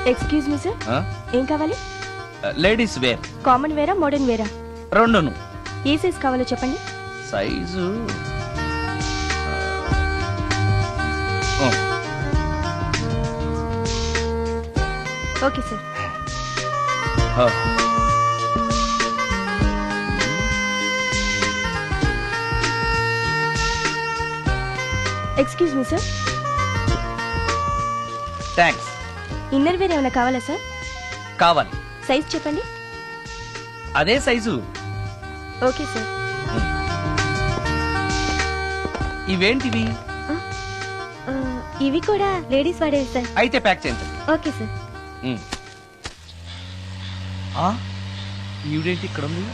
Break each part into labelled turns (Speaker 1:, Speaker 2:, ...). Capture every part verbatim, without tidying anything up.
Speaker 1: Excuse me sir, ఏం కావాలి?
Speaker 2: Ladies wear.
Speaker 1: Common వేరా మోడర్న్ వేరా?
Speaker 2: రెండును.
Speaker 1: ఏ సైజ్ కావాలో చెప్పండి.
Speaker 2: Size
Speaker 1: okay sir. Excuse me sir.
Speaker 2: Thanks.
Speaker 1: Inner wear ఏమైనా కావాలా సార్?
Speaker 2: కావాలి.
Speaker 1: సైజ్ చెప్పండి.
Speaker 2: అదే సైజు.
Speaker 1: Okay sir.
Speaker 2: ఇవేంటివి?
Speaker 1: ఇవి కూడా లేడీస్ వాడేవి సార్.
Speaker 2: అయితే ప్యాక్ చేయండి.
Speaker 1: Okay sir.
Speaker 2: ఈవిడేంటి ఇక్కడ ఉంది?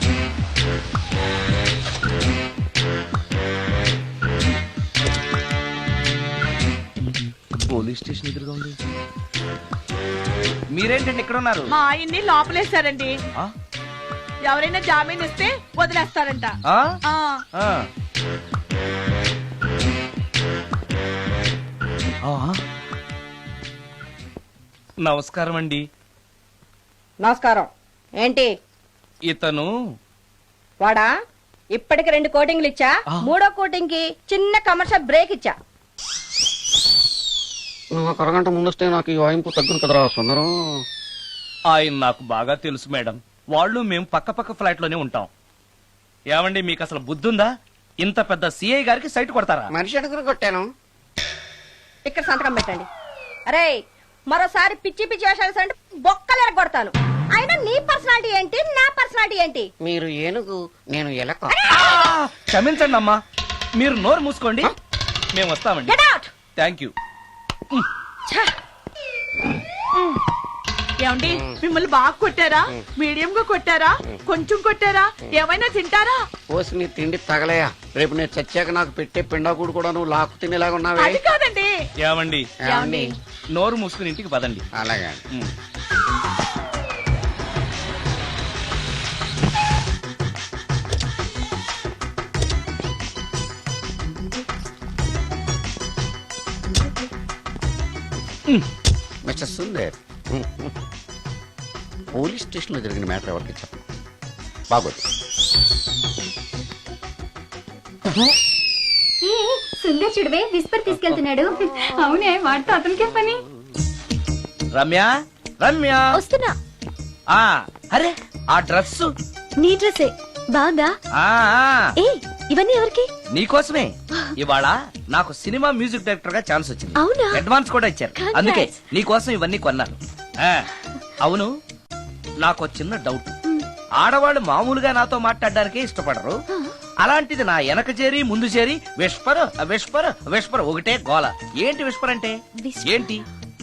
Speaker 2: పోలీస్ స్టేషన్ ఎదురుగా ఉంది. మీరేంటండి ఇక్కడ ఉన్నారు?
Speaker 3: మా ఆయన్ని లోపలేస్తారండి. ఎవరైనా జామీన్ ఇస్తే వదిలేస్తారంట.
Speaker 2: నమస్కారం అండి.
Speaker 3: నమస్కారం. ఏంటి
Speaker 2: ఇతను?
Speaker 3: వాడా? ఇప్పటికి రెండు కోటింగ్లు ఇచ్చా, మూడో కోటింగ్ కి చిన్న కమర్షియల్ బ్రేక్ ఇచ్చా.
Speaker 4: నువ్వు ఒక అరగంట ముందొస్తే నాకు ఈ వాయింపు తగ్గును కదరా సుందరం.
Speaker 2: ఆయన నాకు బాగా తెలుసు మేడం. వాళ్ళు మేము పక్క పక్క ఫ్లాట్ లోనే ఉంటాం. ఏమండి మీకు అసలు బుద్ధుందా? ఇంత పెద్ద సిఐ గారికి సైట్ కొడతారా?
Speaker 4: మనిషి అడుగురు కొట్టాను.
Speaker 3: ఇక్కడ సంతకం పెట్టండి. అరే మరోసారి పిచ్చి పిచ్చి వేషాలు బొక్కలు కొడతాను. అయినా నీ పర్సనాలిటీ ఏంటి, నా పర్సనాలిటీ ఏంటి?
Speaker 4: మీరు ఏనుగు, నేను ఎలక.
Speaker 2: క్షమించండి అమ్మా, మీరు నోరు మూసుకోండి, మేము వస్తామండి. Thank you.
Speaker 3: ఏమండి మిమ్మల్ని బాగా కొట్టారా, మీడియం గా కొట్టారా, కొంచెం కొట్టారా, ఏమైనా తింటారా?
Speaker 4: పోసి నీ తిండి తగలయా. రేపు నేను చచ్చాక నాకు పెట్టే పిండాకుడు కూడా నువ్వు లాక్కు తినేలాగా ఉన్నావే.
Speaker 3: అది కాదండి.
Speaker 2: ఏమండి
Speaker 3: ఏమండి
Speaker 2: నోరు మూసుకుని ఇంటికి పదండి.
Speaker 4: అలాగే. మిస్టర్ సుందర్, పోలీస్ స్టేషన్ లో జరిగిన మ్యాటర్ ఎవరికి చెప్పండి. బాగోదు.
Speaker 1: సుందర్ చూడవే విస్పర్ తీసుకెళ్తున్నాడు. అవునే, వాడితో అతనికే పని.
Speaker 2: రమ్య, రమ్య
Speaker 1: వస్తున్నా.
Speaker 2: ఆ అరే ఆ డ్రెస్
Speaker 1: నీ డ్రెస్సే బాగుందా? ఏ ఇవన్నీ ఎవరికి?
Speaker 2: నీకోసమే. ఇవాళ నాకు సినిమా మ్యూజిక్ డైరెక్టర్ గా ఛాన్స్ వచ్చింది.
Speaker 1: అవునా?
Speaker 2: అడ్వాన్స్ కూడా ఇచ్చారు. అందుకే నీకోసం ఇవన్నీ కొన్నాను. అవును, నాకు చిన్న డౌట్. ఆడవాళ్ళు మామూలుగా నాతో మాట్లాడడానికే ఇష్టపడరు. అలాంటిది నా వెనక చేరి ముందు చేరి విస్పర్ విస్పర్ విస్పర్ ఒకటే గోల. ఏంటి విస్పర్ అంటే? ఏంటి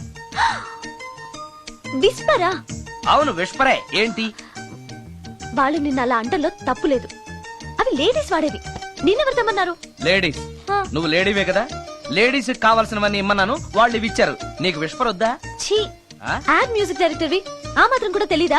Speaker 1: విస్పరా?
Speaker 2: అవును విస్పరే. ఏంటి?
Speaker 1: వాళ్ళు నిన్న అలా అంటలో తప్పు లేదు. అవి లేడీస్ వాడేవి. నిన్నెవరు తెమ్మన్నారు?
Speaker 2: లేడీస్. నువ్వు లేడీవే కదా. లేడీస్ కావాల్సినవన్నీ ఇమ్మన్నాను, వాళ్ళు ఇవి ఇచ్చారు. నీకు విస్పర్ వద్దా?
Speaker 1: ఛీ, యాడ్ మ్యూజిక్ డైరెక్టర్వి, ఆ మాత్రం కూడా తెలీదా?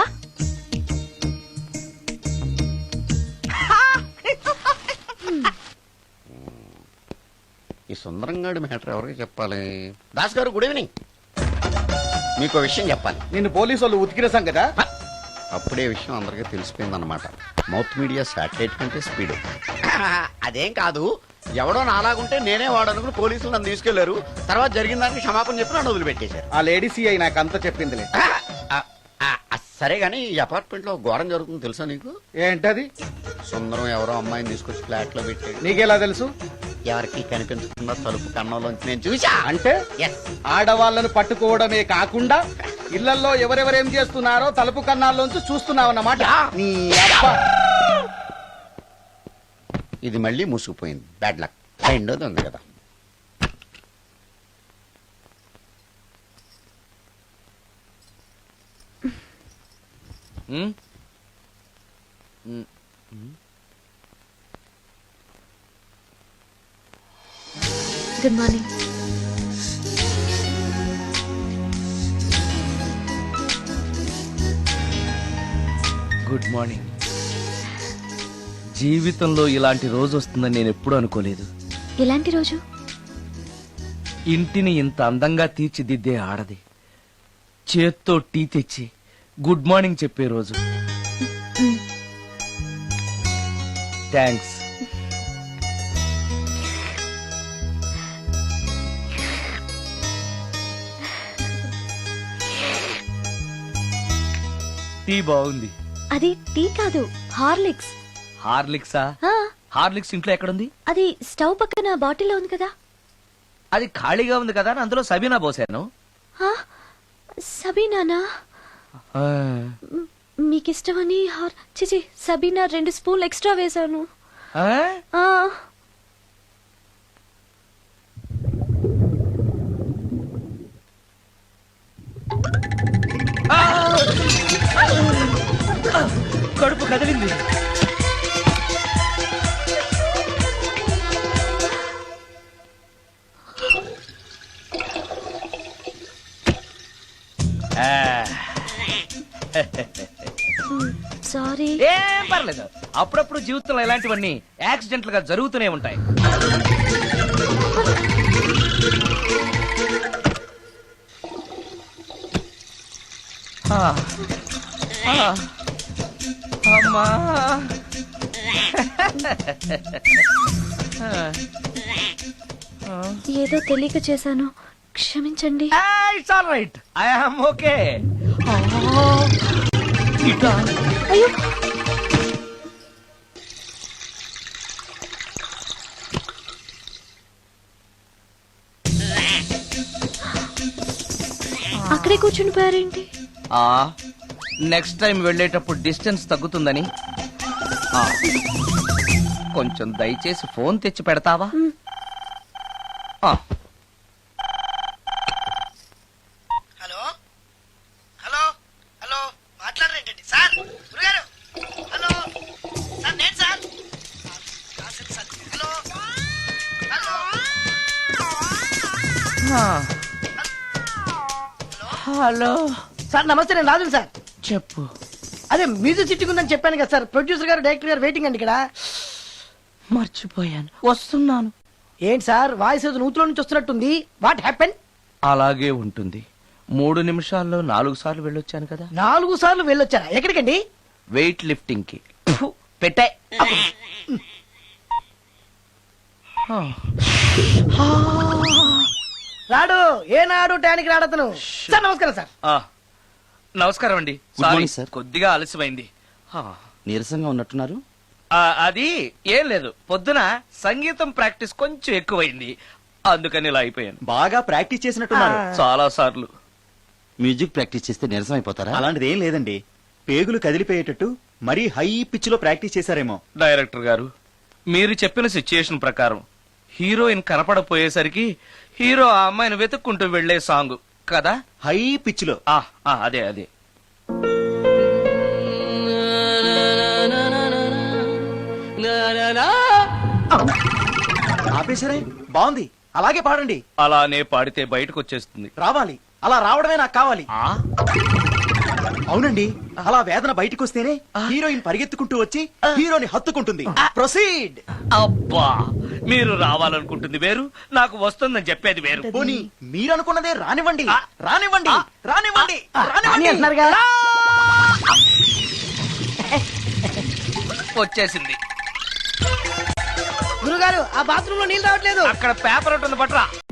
Speaker 4: ఈ సుందరంగాడి మ్యాటర్ ఎవరికి చెప్పాలి? దాస్ గారు గుడ్ ఈవినింగ్. మీకు విషయం చెప్పాలి.
Speaker 5: నిన్ను పోలీసు వాళ్ళు ఉతికిరేసాం కదా.
Speaker 4: అప్పుడే విషయం అందరికీ తెలిసిపోయిందన్నమాట. మౌత్ మీడియా శాటిలైట్ కంటే స్పీడ్. అదేం కాదు, ఎవడో నాలాగుంటే నేనే వాడనుకుని పోలీసులు నన్ను తీసుకెళ్లారు. తర్వాత జరిగిన దానికి క్షమాపణ చెప్పి నన్ను వదిలిపెట్టేశారు.
Speaker 5: ఆ లేడీ సిఐ నాకు అంతా చెప్పిందిలే.
Speaker 4: సరే గానీ ఈ అపార్ట్మెంట్ లో ఘోరం జరుగుతుంది తెలుసా నీకు?
Speaker 5: ఏంటది?
Speaker 4: సుందరం ఎవరో అమ్మాయిని తీసుకొచ్చి ఫ్లాట్ లో పెట్టాడు.
Speaker 5: నీకెలా తెలుసు?
Speaker 4: ఎవరికి కనిపించకుండా తలుపు కన్నంలోంచి నేను చూసా.
Speaker 5: అంటే ఆడవాళ్లను పట్టుకోవడమే కాకుండా ఇళ్లలో ఎవరెవరేం చేస్తున్నారో తలుపు కన్నాల్లోంచి చూస్తున్నావన్నమాట. నీ అబ్బా,
Speaker 4: ఇది మళ్ళీ మూసుకుపోయింది. Bad luck. రెండోది ఉంది కదా.
Speaker 1: Good morning.
Speaker 2: Good morning. జీవితంలో ఇలాంటి రోజు వస్తుందని నేను ఎప్పుడూ అనుకోలేదు.
Speaker 1: ఎలాంటి రోజు?
Speaker 2: ఇంటిని ఇంత అందంగా తీర్చిదిద్దే ఆడది చేత్తో టీ తెచ్చి గుడ్ మార్నింగ్ చెప్పే రోజు. థ్యాంక్స్. టీ బాగుంది.
Speaker 1: అది టీ కాదు, హార్లిక్స్.
Speaker 2: హార్లిక్సా?
Speaker 1: ఆ,
Speaker 2: హార్లిక్స్ ఇంట్లో ఎక్కడుంది?
Speaker 1: అది స్టవ్ పక్కన బాటిల్లో ఉంది కదా.
Speaker 2: అది ఖాళీగా ఉంది కదా అని అందులో సబీనా పోసాను.
Speaker 1: ఆ, సబీనానా?
Speaker 2: ఆ,
Speaker 1: మ్, మీకిష్టమని హార్ చిచి సబీనా రెండు స్పూన్లు ఎక్స్ట్రా వేశాను.
Speaker 2: ఆ?
Speaker 1: ఆ,
Speaker 2: ఆ! కడుపు కదిలింది. ఆ.
Speaker 1: మ్, సారీ.
Speaker 2: ఏం పర్లేదు. అప్పుడప్పుడు జీవితంలో ఇలాంటివన్నీ యాక్సిడెంట్లు గా జరుగుతూనే ఉంటాయి. ఆ. ఆ. అమ్మా.
Speaker 1: ఏదో తెలియక చేశాను, క్షమించండి.
Speaker 2: It's all right. I am okay. ఇటా.
Speaker 1: అయ్యో, అక్కడే కూర్చుని పోయారేంటి?
Speaker 2: ఆ నెక్స్ట్ టైం వెళ్ళేటప్పుడు డిస్టెన్స్ తగ్గుతుందని. ఆ, కొంచెం దయచేసి ఫోన్ తెచ్చి పెడతావా?
Speaker 1: మ్.
Speaker 2: ఆ,
Speaker 6: హలో హలో హలో మాట్లాడరేంటండి సార్ గురుగారు? హలో సార్ నేను సార్ రాసింది సార్. హలో హలో
Speaker 2: ఆ. హలో,
Speaker 6: సార్ నమస్తే, నేను రాజు సార్.
Speaker 2: చెప్పు.
Speaker 6: అదే మ్యూజిక్ సిట్టింగ్ ఉందని చెప్పాను కదా సార్. ప్రొడ్యూసర్ గారు డైరెక్టర్ గారు వెయిటింగ్ అండి ఇక్కడ.
Speaker 2: మర్చిపోయాను, వస్తున్నాను.
Speaker 6: ఏంటి సార్ వాయిస్ ఏదో నూతులో నుంచి వస్తున్నట్టుంది. What happen?
Speaker 2: అలాగే ఉంటుంది. మూడు నిమిషాల్లో నాలుగు సార్లు వెళ్ళొచ్చాను కదా.
Speaker 6: నాలుగు సార్లు వెళ్ళొచ్చారా? ఎక్కడికండి?
Speaker 2: వెయిట్ లిఫ్టింగ్ కి. ఫు, పెట్టే. ఆ.
Speaker 6: రాడు ఏనాడు టానికి రాడతను. సార్ నమస్కారం సార్.
Speaker 2: ఆ, నమస్కారం అండి.
Speaker 7: Good
Speaker 2: sorry,
Speaker 7: morning, sir.
Speaker 2: కొద్దిగా ఆలస్యమైంది. ఆ,
Speaker 7: నీరసంగా ఉన్నట్టున్నారు.
Speaker 2: ఆ, అది ఏం లేదు, పొద్దున సంగీతం ప్రాక్టీస్ కొంచెం ఎక్కువైంది, అందుకని ఇలా అయిపోయాను.
Speaker 7: బాగా ప్రాక్టీస్ చేసినట్టున్నారు.
Speaker 6: ఆ.
Speaker 2: చాలా సార్లు.
Speaker 7: మ్యూజిక్ ప్రాక్టీస్ చేస్తే నీరసం అయిపోతారా?
Speaker 8: అలాంటిది ఏం లేదండి. పేగులు కదిలిపోయేటట్టు మరీ హై పిచ్ లో ప్రాక్టీస్ చేశారేమో.
Speaker 2: డైరెక్టర్ గారు, మీరు చెప్పిన సిచ్యుయేషన్ ప్రకారం హీరోయిన్ కనపడపోయేసరికి హీరో ఆ అమ్మాయిని వెతుక్కుంటూ వెళ్లే సాంగ్ కదా.
Speaker 8: హై పిచ్ లో.
Speaker 2: ఆ, ఆ, అదే అదే.
Speaker 8: ఆపేశారే, బాగుంది, అలాగే పాడండి.
Speaker 2: అలానే పాడితే బయటకు వచ్చేస్తుంది.
Speaker 8: రావాలి, అలా రావడమే నాకు కావాలి.
Speaker 2: ఆ,
Speaker 8: అవునండి, అలా వేదన బయటకు వస్తేనే హీరోయిన్ పరిగెత్తుకుంటూ వచ్చి హీరోని హత్తుకుంటుంది. ప్రొసీడ్.
Speaker 2: అబ్బా, మీరు రావాలనుకుంటుంది వేరు, నాకు వస్తుందని చెప్పేది వేరు.
Speaker 8: పోనీ మీరనుకున్నదే రానివ్వండి, రానివ్వండి, రానివ్వండి,
Speaker 6: అని
Speaker 8: రానివ్వండి.
Speaker 6: అంటున్నారుగా.
Speaker 2: వచ్చేసింది.
Speaker 6: గురుగారు ఆ బాత్రూమ్ లో నీళ్ళు రావట్లేదు.
Speaker 2: అక్కడ పేపర్ ఉంటుంది పట్రా.